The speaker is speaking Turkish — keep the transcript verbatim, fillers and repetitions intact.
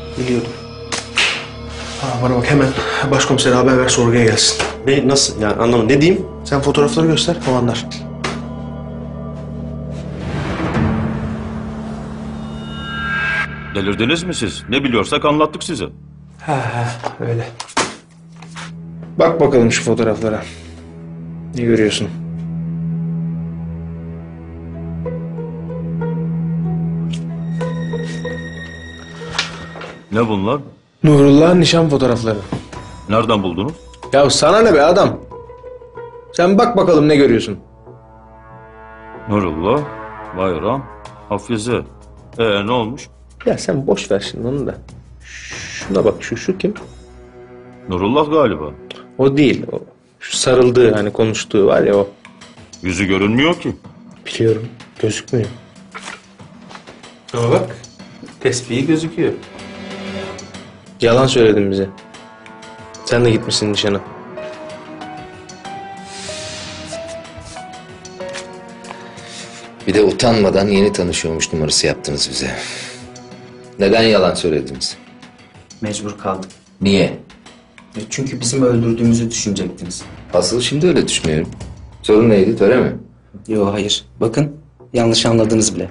Biliyordum. Ha, bana bak hemen başkomisere haber ver, sorguya gelsin. Ne, nasıl yani, anlamadım. Ne diyeyim? Sen fotoğrafları göster, o anlar. Delirdiniz mi siz? Ne biliyorsak anlattık size. Ha ha, öyle. Bak bakalım şu fotoğraflara. Ne görüyorsun? Ne bunlar? Nurullah'ın nişan fotoğrafları. Nereden buldunuz? Ya sana ne be adam? Sen bak bakalım ne görüyorsun? Nurullah, Bayram, Hafize. Ee ne olmuş? Ya sen boş ver şimdi onu da. Şuna bak, şu şu kim? Nurullah galiba. O değil. O, şu sarıldığı, hani konuştuğu var ya, o. Yüzü görünmüyor ki. Biliyorum. Gözükmüyor. Ama bak. Tespihi gözüküyor. Yalan söyledin bize. Sen de gitmişsin nişana. Bir de utanmadan yeni tanışıyormuş numarası yaptınız bize. Neden yalan söylediniz? Mecbur kaldık. Niye? E, Çünkü bizim öldürdüğümüzü düşünecektiniz. Asıl şimdi öyle düşünüyorum. Sorun neydi, töre mi? Yo hayır. Bakın yanlış anladınız bile.